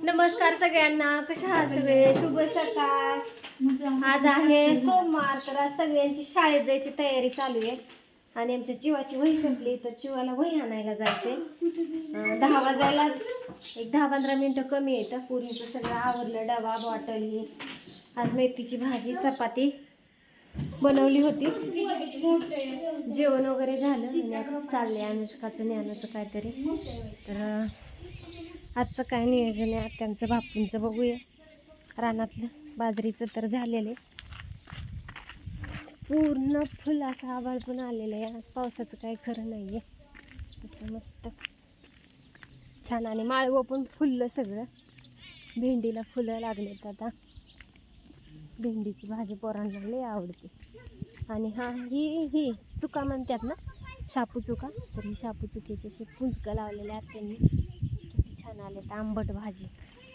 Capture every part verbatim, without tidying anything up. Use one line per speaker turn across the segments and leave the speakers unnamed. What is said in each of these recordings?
नमस्कार सगळ्यांना, कशा आहात सगळे? शुभ सकाळ. आज आहे सोमवार, तर आज सगळ्यांची शाळेत जायची तयारी चालू आहे आणि आमच्या चिवाची वही संपली, तर चिवाला वही आणायला जायचंय. दहा वाजायला एक दहा पंधरा मिनटं कमी येतं. पूर्वीचं सगळं आवरलं, डबा बॉटल ही. आज मेथीची भाजी चपाती बनवली होती, जेवण वगैरे झालं आणि आता चाललंय अनुष्काचं ज्ञानाचं काहीतरी. तर आजचं काय नियोजन आहे आत्यांचं बापूंचं बघूया. रानातलं बाजरीचं तर झालेलं आहे, पूर्ण फुल असं आभाळ पण आलेलं आहे. आज पावसाचं काही खरं नाही आहे. तसं मस्त छान आणि माळवं पण फुललं सगळं. भेंडीला फुलं लागलेत आता. भेंडीची भाजी पोरांना लई आवडते. आणि हा ही ही चुका म्हणतात ना, शापू चुका, तर ही शापू चुकीची अशी फुंजकं लावलेल्या आहेत त्यांनी. किती छान आलेत. आंबट भाजी.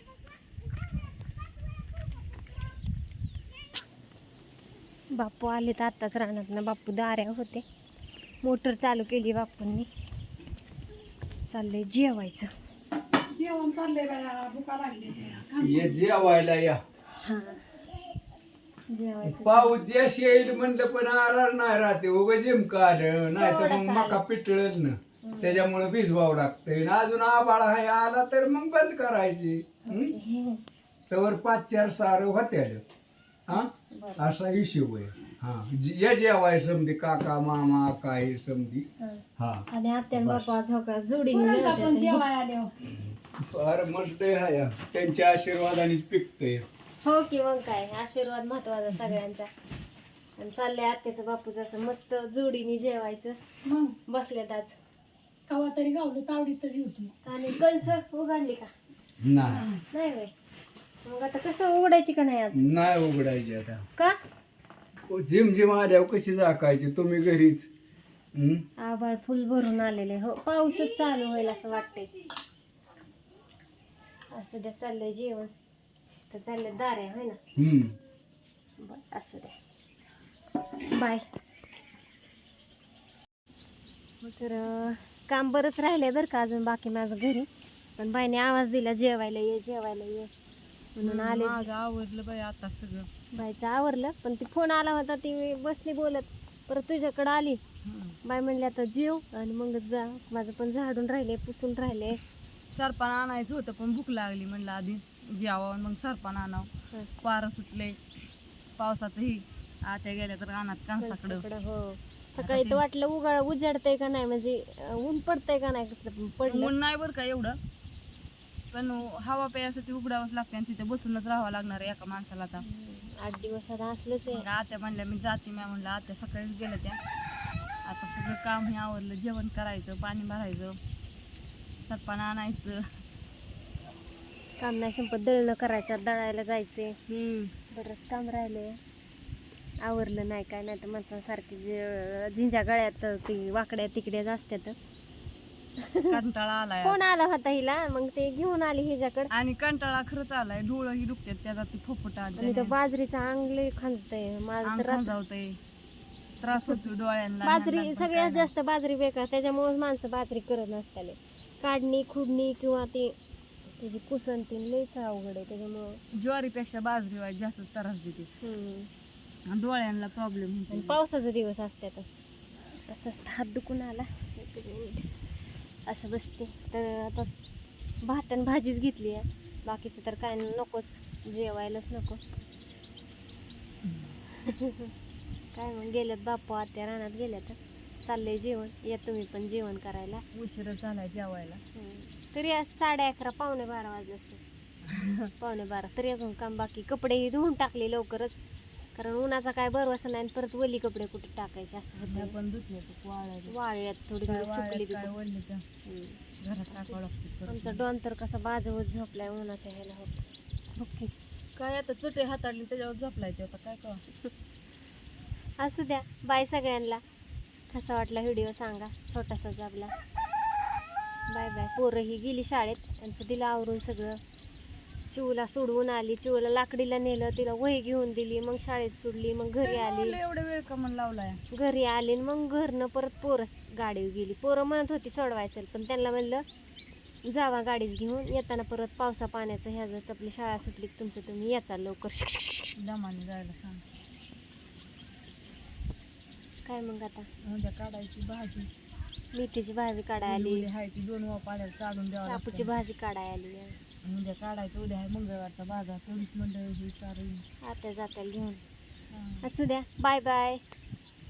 बापू आलेत आत्ताच रानात ना. बापू दाऱ्या होते, मोटर चालू केली बापूंनी. चाललंय जेवायचं.
जेवण चाललंय बाया, भुका लागली.
ये जेवायला या.
हा जेवायचं.
पाऊस जशी येईल म्हणलं पण आला नाही राहते, उगं जिमका आलं नाही तर मग
थोडासा
मका पिटळत ना, त्याच्यामुळे भिजवावं लागतंय. अजून आबाळ आहे आला तर मग बंद करायची. तर पाच चार सारं होते हा, असा हिशोब आहे. हा ये जेवाय समधी काका मामा काय समधी. हा
आणि आत्या बापू आज हो का जोडीने जेवतात.
जेवाय आले
फार मस्त आहे हा. त्यांच्या आशीर्वादाने पिकतंय.
हो की मग काय, आशीर्वाद महत्वाचा सगळ्यांचा. आणि चाललंय आत्याचं बापूचं असं मस्त जोडीने जेवायचं.
मग
बसल्यात आज.
कवा तरी गावलं तावडीतच होतो.
आणि कणस उघडली का?
नाही
नाही बाई. मग आता कसं उघडायची का नाही आज?
नाही उघडायची आता.
का?
जिम जिम आल्यावर कशी झाकायची तुम्ही घरीच? हम्म?
आभाळ फुल भरून आलेले. हो पाऊसच चालू होईल असं वाटतंय. असं द्या चाललंय जेवण. तर चाललंय दाऱ्या होय ना.
हम्म.
बर असं द्या. बाय. तर अं, काम बरंच राहिलंय बरं का अजून बाकी माझं घरी. पण बाईने आवाज दिला जेवायला ये जेवायला ये म्हणून आले.
आवडलं बाई आता सगळं.
बाईचं आवरलं, पण ती फोन आला होता, ती बसली बोलत, परत तुझ्याकडं आली. बाई म्हणली आता जेव आणि मग जा. माझं पण झाडून राहिले, पुसून राहिले.
सरपान आणायचं होतं पण भूक लागली, म्हणलं आधी जेवावं मग सरपान आणावं. पारं सुटले पावसाचं ही. आत्या गेल्या तर रानात कांसाकडं.
कणसाकडं, हो. सकाळी तर वाटलं उगाळ उजाडतंय का नाही, म्हणजे अं, ऊन पडतंय का नाही, कसं पडलं.
ऊन नाही बरं का एवढं, पण हवा प्यायसाठी उघडावंच लागते आणि तिथे बसूनच राहावं लागणार आहे एका माणसाला. आता
हम्म, आठ दिवस आता असलंच आहे.
मग आत्या म्हणल्या मी जाते. मी म्हणलं आत्या सकाळीच गेल्या त्या. आता सगळं काम हे आवरलं, जेवण करायचं, पाणी भरायचं, सरपान आणायचं.
काम नाही संपत. दळणं करायच्या, दळायला जायचे.
हम्म
बरंच काम राहिले. आवरलं नाही काय नाही तर माणसासारखी जे झिंजा गळ्यात ती वाकड्या तिकड्याच असतात.
कंटाळा आलाय
कोण आला होता हिला, मग ते घेऊन आली हिच्याकडे.
आणि कंटाळा खरंच आलाय. डोळं ही दुखतात त्याचा, ती फोफट
आणि तो बाजरीचा अंगले खांजतय माझं तर.
जावतंय, त्रास होतो डोळ्यांना.
बाजरी सगळ्यात जास्त बाजरी बेकार, त्याच्यामुळेच माणसं बाजरी करत नसताले. काढणी खुडणी किंवा ती त्याची कुसन ती लईच अवघड आहे. त्याच्यामुळं
ज्वारीपेक्षा बाजरी वाईट जास्त त्रास देते
हम्म.
आणि डोळ्यांना प्रॉब्लेम
आणि
होतो.
पावसाचा दिवस असतात. तसंच हात दुखून आला. एक मिनिट असं बसते. तर आता भात आणि भाजीच घेतली आहे, बाकीचं तर काय नकोच, जेवायलाच नको. काय मग गेल्यात बापू आत्या रानात गेल्या, तर चाललंय जेवण. या तुम्ही पण जेवण करायला.
उशीर झालाय जेवायला.
तरी आज साडे अकरा पावणे बारा वाजले असते. पावणे बारा तरी अजून काम बाकी. कपडेही धुवून टाकले लवकरच, कारण उन्हाचा काय बरवसा नाही. परत वली कपडे कुठे टाकायचे असं होतं.
पण धुतले तर वाळायला
वाळ्यात थोडी थोडी सुकली ती.
काय वळले तर घरात टाकावं लागतं.
आमचा डॉन तर कसा बाजवत झोपलाय उन्हाच्या ह्याला. होत ओके
काय आता चटे हाताळली त्याच्यावर झोपलाय ते. आता काय करा.
असू द्या. बाय सगळ्यांना. कसा वाटला व्हिडिओ सांगा, छोटासाच आपला. Bye bye. पोरं ही गेली शाळेत, त्यांचं दिलं आवरून सगळं. चिवला सोडवून आली, चिवला लाकडीला नेलं, तिला वही घेऊन दिली, मग शाळेत सोडली, मग घरी आली.
एवढा वेळ का म्हणून लावलाय.
घरी आली मग घरनं परत पोरं गाडीवर गेली. पोरं म्हणत होती सोडवायचं, पण त्यांना म्हणलं जावा गाडीत घेऊन येताना परत पावसा पाण्याचं ह्या जर आपली शाळा सुटली की तुमचं तुम्ही याचा लवकर.
दमाने जायला सांग.
काय मग आता
उद्या काढायची भाजी.
मेथीची भाजी काढाय आली,
उद्या आहे ती दोन पाड्यात काढून द्यावं
कापूची
लागतं.
भाजी काढाय आली.
उद्या काढायचं. उद्या आहे मंगळवारचा बाजार. तेवढीच मंडळी ही चालू.
आता जाताल घेऊन. असू द्या. Bye bye.